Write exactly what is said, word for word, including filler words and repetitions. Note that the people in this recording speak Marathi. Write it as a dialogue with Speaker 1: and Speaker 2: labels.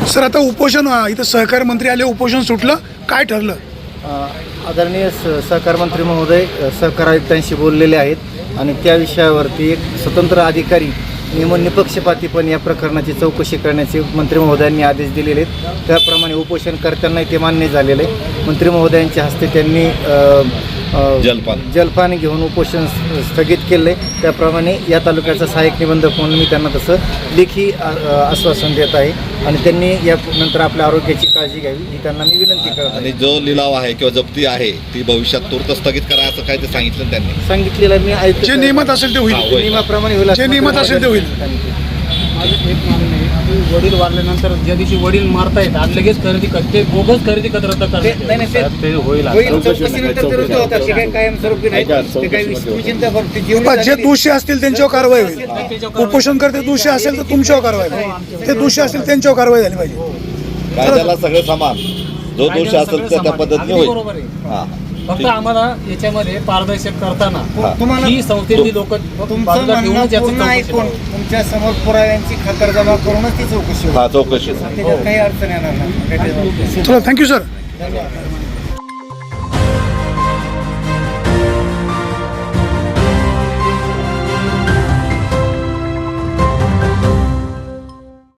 Speaker 1: सर आता उपोषण इथं सहकार मंत्री आले, उपोषण सुटलं, काय ठरलं?
Speaker 2: आदरणीय सहकार मंत्री महोदय सहकार आयुक्तांशी बोललेले आहेत आणि त्या विषयावरती एक स्वतंत्र अधिकारी नेमून निपक्षपातीपणे या प्रकरणाची चौकशी करण्याचे मंत्री महोदयांनी आदेश दिलेले आहेत. त्याप्रमाणे उपोषणकर्त्यांनाही ते मान्य झालेलं आहे. मंत्री महोदयांच्या हस्ते त्यांनी
Speaker 3: जलपान
Speaker 2: जलपान घेऊन उपोषण स्थगित केले. त्याप्रमाणे या तालुक्याचा सहाय्यक निबंधक म्हणून मी त्यांना तसं लेखी आश्वासन देत आहे आणि त्यांनी यानंतर आपल्या आरोग्याची काळजी घ्यावी ही त्यांना मी विनंती करत आहे.
Speaker 3: आणि जो लिलाव आहे किंवा जप्ती आहे ती भविष्यात तूर्त स्थगित करा असं काय ते सांगितलं त्यांनी
Speaker 2: सांगितलेलं मी आयुक्त
Speaker 1: जे नियमात असेल ते होईल,
Speaker 2: नियमाप्रमाणे होईल,
Speaker 1: जे नियमात असेल ते होईल.
Speaker 4: वडील वारल्यानंतर ज्या दिवशी वडील मारतायत आज लगेच खरेदी करते, बोगस खरेदी करत
Speaker 2: नाही नाही ते
Speaker 4: होईल.
Speaker 2: होईल, चौकशीनंतर ते रद्द होतात. ते काही कायमस्वरूपी नाही, ते काही विचिंता करते. जीवन
Speaker 1: जे दोषी असतील त्यांच्यावर कारवाई होईल. उपोषण करते दोषी असेल तर तुमच्यावर कारवाई होईल, ते दोषी असतील त्यांच्यावर कारवाई झाली पाहिजे.
Speaker 3: कायद्याला सगळं समान, जो दोष असेल त्या त्या पद्धतीने होईल.
Speaker 4: बरोबर आहे.
Speaker 3: हां
Speaker 4: फक्त आम्हाला याच्यामध्ये पारदर्शक करताना
Speaker 2: तुम्हाला
Speaker 4: ही संस्थेची लोक
Speaker 2: तुमचं
Speaker 4: बाजूला
Speaker 2: म्हणणं
Speaker 4: घेऊनच याचं
Speaker 2: पूर्ण
Speaker 4: चौकशी
Speaker 2: ऐकून
Speaker 4: करावी.
Speaker 2: तुमच्या समोर पुराव्यांची खातरजमा करूनच ती चौकशी होईल.
Speaker 3: हा चौकशी
Speaker 2: त्याच्यात काही अडचण येणार नाही.
Speaker 1: चला, थँक्यू सर.
Speaker 2: धन्यवाद.